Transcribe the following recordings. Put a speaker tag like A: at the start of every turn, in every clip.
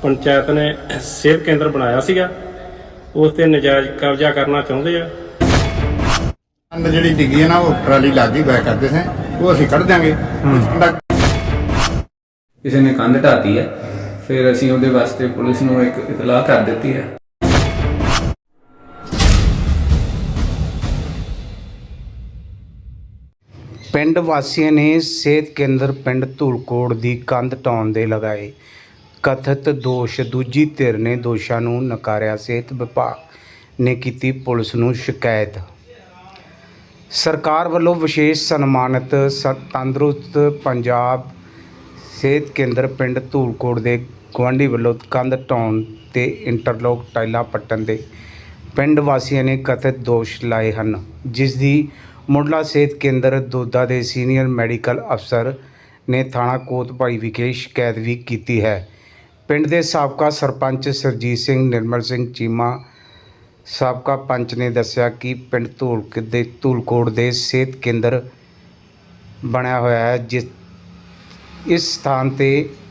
A: ਪੰਚਾਇਤ ਨੇ ਸਿਹਤ ਕੇਂਦਰ ਬਣਾਇਆ ਸੀਗਾ, ਉਸ ਤੇ ਨਜਾਇਜ਼ ਕਬਜ਼ਾ ਕਰਨਾ ਚਾਹੁੰਦੇ ਆ।
B: ਕੰਧ ਜਿਹੜੀ ਡਿੱਗੀ ਹੈ ਨਾ, ਉਹ ਟਰਾਲੀ ਲੱਗ ਗਈ ਬੈਕ ਕਰਦੇ ਸੀ, ਉਹ ਅਸੀਂ ਕੱਢ ਦਿਆਂਗੇ।
C: ਕਿਸੇ ਨੇ ਕੰਧ ਢਾਤੀ ਹੈ, ਫਿਰ ਅਸੀਂ ਉਹਦੇ ਵਾਸਤੇ ਪੁਲਿਸ ਨੂੰ ਇੱਕ ਇਤਲਾਹ ਕਰ ਦਿੱਤੀ ਹੈ।
D: ਪਿੰਡ ਵਾਸੀਆਂ ਨੇ ਸਿਹਤ ਕੇਂਦਰ ਪਿੰਡ ਧੂਲਕੋਟ ਦੀ ਕੰਧ ਢਾਉਣ ਦੇ ਲਗਾਏ ਕਥਿਤ ਦੋਸ਼। ਦੂਜੀ ਧਿਰ ਨੇ ਦੋਸ਼ਾਂ ਨੂੰ ਨਕਾਰਿਆ। ਸਿਹਤ ਵਿਭਾਗ ਨੇ ਕੀਤੀ ਪੁਲਿਸ ਨੂੰ ਸ਼ਿਕਾਇਤ। ਸਰਕਾਰ ਵੱਲੋਂ ਵਿਸ਼ੇਸ਼ ਸਨਮਾਨਿਤ ਤੰਦਰੁਸਤ ਪੰਜਾਬ ਸਿਹਤ ਕੇਂਦਰ ਪਿੰਡ ਧੂਲਕੋਟ ਦੇ ਗੁਆਂਢੀ ਵੱਲੋਂ ਕੰਧ ਢਾਉਣ ਤੇ ਇੰਟਰਲੋਕ ਟਾਈਲਾਂ ਪੱਟਣ ਦੇ ਪਿੰਡ ਵਾਸੀਆਂ ਨੇ ਕਥਿਤ ਦੋਸ਼ ਲਾਏ ਹਨ, ਜਿਸ ਦੀ ਮੁੱਢਲਾ ਸਿਹਤ ਕੇਂਦਰ ਦੋਦਾ ਦੇ ਸੀਨੀਅਰ ਮੈਡੀਕਲ ਅਫਸਰ ਨੇ ਥਾਣਾ ਕੋਤਭਾਈ ਵਿਖੇ ਸ਼ਿਕਾਇਤ ਵੀ ਕੀਤੀ ਹੈ। ਪਿੰਡ ਦੇ ਸਾਬਕਾ ਸਰਪੰਚ ਸਰਜੀਤ ਸਿੰਘ ਨਿਰਮਲ ਸਿੰਘ ਚੀਮਾ ਸਾਬਕਾ ਪੰਚ ਨੇ ਦੱਸਿਆ ਕਿ ਪਿੰਡ ਧੂਲਕੋਟ ਦੇ ਸਿਹਤ ਕੇਂਦਰ ਬਣਿਆ ਹੋਇਆ ਹੈ, ਇਸ ਸਥਾਨ ਤੇ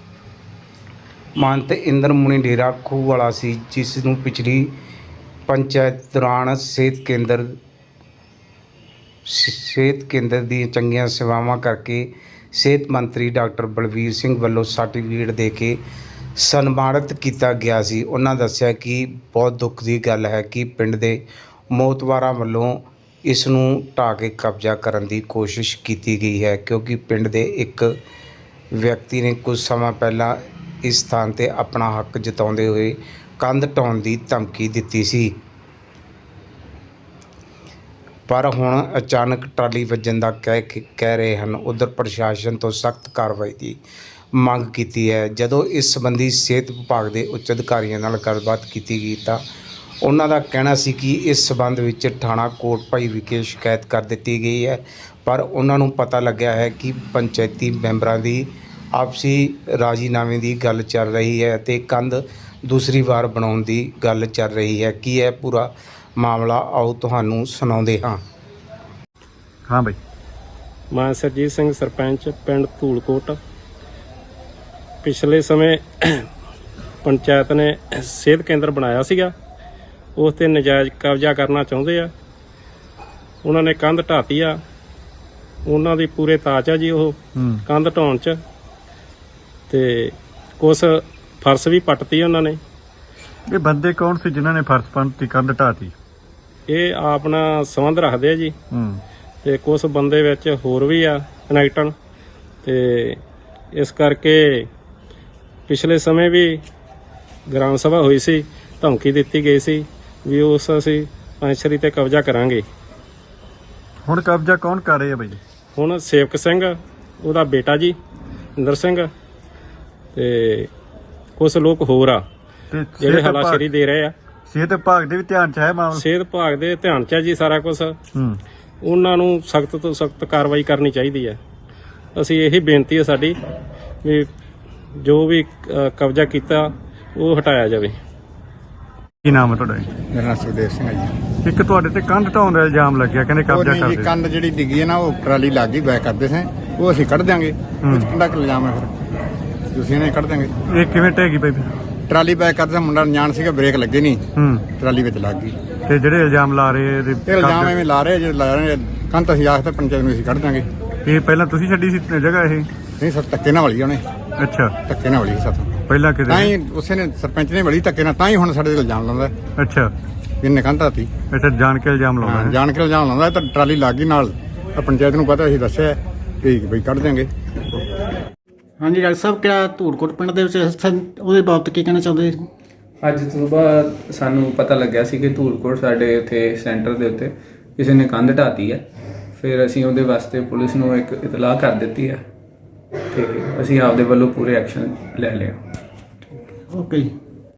D: ਮਹੰਤ ਇੰਦਰ ਮੁਨੀ ਡੇਰਾ ਖੂਹ ਵਾਲਾ ਸੀ, ਜਿਸ ਨੂੰ ਪਿਛਲੀ ਪੰਚਾਇਤ ਦੌਰਾਨ ਸਿਹਤ ਕੇਂਦਰ ਦੀਆਂ ਚੰਗੀਆਂ ਸੇਵਾਵਾਂ ਕਰਕੇ ਸਿਹਤ ਮੰਤਰੀ ਡਾਕਟਰ ਬਲਵੀਰ ਸਿੰਘ ਵੱਲੋਂ ਸਰਟੀਫਿਕੇਟ ਦੇ ਕੇ ਸਨਮਾਨਿਤ ਕੀਤਾ ਗਿਆ ਸੀ। ਉਹਨਾਂ ਦੱਸਿਆ ਕਿ ਬਹੁਤ ਦੁੱਖ ਦੀ ਗੱਲ ਹੈ ਕਿ ਪਿੰਡ ਦੇ ਮੋਹਤਵਾਰਾਂ ਵੱਲੋਂ ਇਸ ਨੂੰ ਢਾਹ ਕੇ ਕਬਜ਼ਾ ਕਰਨ ਦੀ ਕੋਸ਼ਿਸ਼ ਕੀਤੀ ਗਈ ਹੈ, ਕਿਉਂਕਿ ਪਿੰਡ ਦੇ ਇੱਕ ਵਿਅਕਤੀ ਨੇ ਕੁਝ ਸਮਾਂ ਪਹਿਲਾਂ ਇਸ ਸਥਾਨ 'ਤੇ ਆਪਣਾ ਹੱਕ ਜਤਾਉਂਦੇ ਹੋਏ ਕੰਧ ਢਾਉਣ ਦੀ ਧਮਕੀ ਦਿੱਤੀ ਸੀ, ਪਰ ਹੁਣ ਅਚਾਨਕ ਟਰਾਲੀ ਵੱਜਣ ਦਾ ਕਹਿ ਰਹੇ ਹਨ। ਉੱਧਰ ਪ੍ਰਸ਼ਾਸਨ ਤੋਂ ਸਖਤ ਕਾਰਵਾਈ ਦੀ ਮੰਗ ਕੀਤੀ ਹੈ। ਜਦੋਂ ਇਸ ਸੰਬੰਧੀ ਸਿਹਤ ਵਿਭਾਗ ਦੇ ਉੱਚ ਅਧਿਕਾਰੀਆਂ ਨਾਲ ਗੱਲਬਾਤ ਕੀਤੀ ਗਈ ਤਾਂ ਉਹਨਾਂ ਦਾ ਕਹਿਣਾ ਸੀ ਕਿ ਇਸ ਸੰਬੰਧ ਵਿੱਚ ਥਾਣਾ ਕੋਟਭਾਈ ਵਿਖੇ ਸ਼ਿਕਾਇਤ ਕਰ ਦਿੱਤੀ ਗਈ ਹੈ, ਪਰ ਉਹਨਾਂ ਨੂੰ ਪਤਾ ਲੱਗਿਆ ਹੈ ਕਿ ਪੰਚਾਇਤੀ ਮੈਂਬਰਾਂ ਦੀ ਆਪਸੀ ਰਾਜ਼ੀਨਾਮੇ ਦੀ ਗੱਲ ਚੱਲ ਰਹੀ ਹੈ ਅਤੇ ਕੰਧ ਦੂਸਰੀ ਵਾਰ ਬਣਾਉਣ ਦੀ ਗੱਲ ਚੱਲ ਰਹੀ ਹੈ। ਕੀ ਹੈ ਪੂਰਾ ਮਾਮਲਾ, ਆਓ ਤੁਹਾਨੂੰ ਸੁਣਾਉਂਦੇ ਹਾਂ।
E: ਹਾਂ ਬਈ,
A: ਮੈਂ ਸਰਜੀਤ ਸਿੰਘ ਸਰਪੰਚ ਪਿੰਡ ਧੂਲਕੋਟ। ਪਿਛਲੇ ਸਮੇਂ ਪੰਚਾਇਤ ਨੇ ਸਿਹਤ ਕੇਂਦਰ ਬਣਾਇਆ ਸੀਗਾ, ਉਸ ਤੇ ਨਜਾਇਜ਼ ਕਬਜ਼ਾ ਕਰਨਾ ਚਾਹੁੰਦੇ ਆ। ਉਹਨਾਂ ਨੇ ਕੰਧ ਢਾਤੀ ਆ, ਉਹਨਾਂ ਦੀ ਪੂਰੇ ਤਾਚ ਆ ਜੀ ਉਹ ਕੰਧ ਢਾਉਣ 'ਚ, ਤੇ ਕੁਛ ਫਰਸ਼ ਵੀ ਪੱਟਤੀ ਉਹਨਾਂ ਨੇ।
E: ਇਹ ਬੰਦੇ ਕੌਣ ਸੀ ਜਿਨ੍ਹਾਂ ਨੇ ਫਰਸ਼ ਪੰਨ ਦੀ ਕੰਧ ਢਾਤੀ?
A: ਇਹ ਆਪਣਾ ਸੰਬੰਧ ਰੱਖਦੇ ਆ ਜੀ, ਤੇ ਕੁਛ ਬੰਦੇ ਵਿੱਚ ਹੋਰ ਵੀ ਆ ਕਨੈਕਟਨ, ਤੇ ਇਸ ਕਰਕੇ ਪਿਛਲੇ ਸਮੇਂ ਵੀ ਗ੍ਰਾਮ ਸਭਾ ਹੋਈ ਸੀ, ਧਮਕੀ ਦਿੱਤੀ ਗਈ ਸੀ ਵੀ ਉਸ ਅਸੀਂ ਪੰਚਰੀ ਤੇ ਕਬਜ਼ਾ ਕਰਾਂਗੇ।
E: ਹੁਣ ਕਬਜ਼ਾ ਕੌਣ ਕਰ ਰਿਹਾ ਬਈ?
A: ਹੁਣ ਸੇਵਕ ਸਿੰਘ, ਉਹਦਾ ਬੇਟਾ ਜੀ ਇੰਦਰ ਸਿੰਘ, ਤੇ ਕੁਛ ਲੋਕ ਹੋਰ ਆ ਜਿਹੜੇ ਹਲਾਸ਼ੇਰੀ ਦੇ ਰਹੇ ਆ।
E: ਸਿਹਤ ਵਿਭਾਗ ਦੇ ਵੀ ਧਿਆਨ 'ਚ ਹੈ ਮਾਮਲਾ?
A: ਸਿਹਤ ਵਿਭਾਗ ਦੇ ਧਿਆਨ 'ਚ ਹੈ ਜੀ ਸਾਰਾ ਕੁਛ। ਉਹਨਾਂ ਨੂੰ ਸਖਤ ਤੋਂ ਸਖਤ ਕਾਰਵਾਈ ਕਰਨੀ ਚਾਹੀਦੀ ਹੈ। ਅਸੀਂ ਇਹੀ ਬੇਨਤੀ ਹੈ ਸਾਡੀ ਵੀ ਜੋ ਵੀ ਕਬਜ਼ਾ ਕੀਤਾ ਉਹ ਹਟਾਇਆ ਜਾਵੇ।
E: ਕੀ ਨਾਮ ਹੈ ਤੁਹਾਡਾ?
B: ਮੇਰਾ ਨਾਮ ਸੁਖਦੇਵ ਸਿੰਘ ਹੈ ਜੀ।
E: ਇੱਕ ਤੁਹਾਡੇ ਤੇ ਕੰਧ ਢਾਉਣ ਦਾ ਇਲਜ਼ਾਮ ਲੱਗਿਆ, ਕਹਿੰਦੇ ਕਬਜ਼ਾ
B: ਕਰਦੇ
E: ਕਰਦੇ।
B: ਕੰਧ ਜਿਹੜੀ ਡਿੱਗੀ ਹੈ ਨਾ, ਉਹ ਟਰਾਲੀ ਲੱਗ ਗਈ ਬੈਕ ਕਰਦੇ ਸੀ, ਉਹ ਅਸੀਂ ਕੱਢ ਦਿਆਂਗੇ। ਕਿੰਨਾ ਕੁ ਇਲਜ਼ਾਮ ਹੈ ਫਿਰ? ਤੁਸੀਂ ਨੇ ਕੱਢ ਦਿਆਂਗੇ।
E: ਇਹ ਕਿਵੇਂ ਢਹਿ ਗਈ ਬਈ?
B: ਟਰਾਲੀ ਬੈਕ ਕਰਦੇ ਮੁੰਡਾ ਅਣਜਾਣ ਸੀਗਾ, ਬ੍ਰੇਕ ਲੱਗੇ ਨਹੀਂ, ਟਰਾਲੀ ਵਿੱਚ ਲੱਗ ਗਈ।
E: ਤੇ ਜਿਹੜੇ ਇਲਜ਼ਾਮ ਲਾ ਰਹੇ
B: ਇਹ ਇਲਜ਼ਾਮ ਐਵੇਂ ਲਾ ਰਹੇ ਜੇ ਲਾ ਰਹੇ ਕੰਧ ਅਸੀਂ ਆਖਦੇ ਪੰਚਾਇਤ ਨੂੰ ਅਸੀਂ ਕੱਢ ਦਿਆਂਗੇ।
E: ਇਹ ਪਹਿਲਾਂ ਤੁਸੀਂ ਛੱਡੀ ਸੀ ਜਗ੍ਹਾ ਇਹ?
B: ਨਹੀਂ ਸਰ, ਧੱਕੇ ਨਾਲ ਵਲੀ ਉਹਨੇ।
E: ਅੱਛਾ,
B: ਧੱਕੇ ਨਾਲ ਵਲੀ ਸਾਥੋਂ
E: ਪਹਿਲਾਂ
B: ਤਾਂ
E: ਕਿਤੇ?
B: ਹੀ ਉਸੇ ਨੇ ਸਰਪੰਚ ਨੇ ਵਲੀ ਧੱਕੇ ਨਾਲ, ਤਾਂ ਹੀ ਹੁਣ ਸਾਡੇ ਤੇ ਇਲਜ਼ਾਮ ਲਾਉਂਦਾ।
E: ਅੱਛਾ,
B: ਇਹਨੇ ਕੰਧ ਢਾਤੀ।
E: ਅੱਛਾ, ਜਾਣ ਕੇ ਇਲਜ਼ਾਮ ਲਾਉਂਦਾ?
B: ਜਾਣ ਕੇ ਇਲਜ਼ਾਮ ਲਾਉਂਦਾ। ਤਾਂ ਟਰਾਲੀ ਲੱਗ ਗਈ ਨਾਲ, ਤਾਂ ਪੰਚਾਇਤ ਨੂੰ ਪਤਾ, ਅਸੀਂ ਦੱਸਿਆ ਕਿ ਬਈ ਕੱਢ ਦਿਆਂਗੇ।
F: ਹਾਂਜੀ ਡਾਕਟਰ ਸਾਹਿਬ, ਕਿਹੜਾ ਧੂਲਕੋਟ ਪਿੰਡ ਦੇ ਵਿੱਚ ਉਹਦੇ ਬਾਬਤ ਕੀ ਕਹਿਣਾ ਚਾਹੁੰਦੇ?
C: ਅੱਜ ਸੁਬਾਹ ਸਾਨੂੰ ਪਤਾ ਲੱਗਿਆ ਸੀ ਕਿ ਧੂਲਕੋਟ ਸਾਡੇ ਇੱਥੇ ਸੈਂਟਰ ਦੇ ਉੱਤੇ ਕਿਸੇ ਨੇ ਕੰਧ ਢਾਤੀ ਹੈ, ਫਿਰ ਅਸੀਂ ਉਹਦੇ ਵਾਸਤੇ ਪੁਲਿਸ ਨੂੰ ਇੱਕ ਇਤਲਾਹ ਕਰ ਦਿੱਤੀ ਹੈ, ਤੇ ਅਸੀਂ ਆਪਦੇ ਵੱਲੋਂ ਪੂਰੇ ਐਕਸ਼ਨ ਲੈ ਲਿਆ।
F: ਓਕੇ ਜੀ।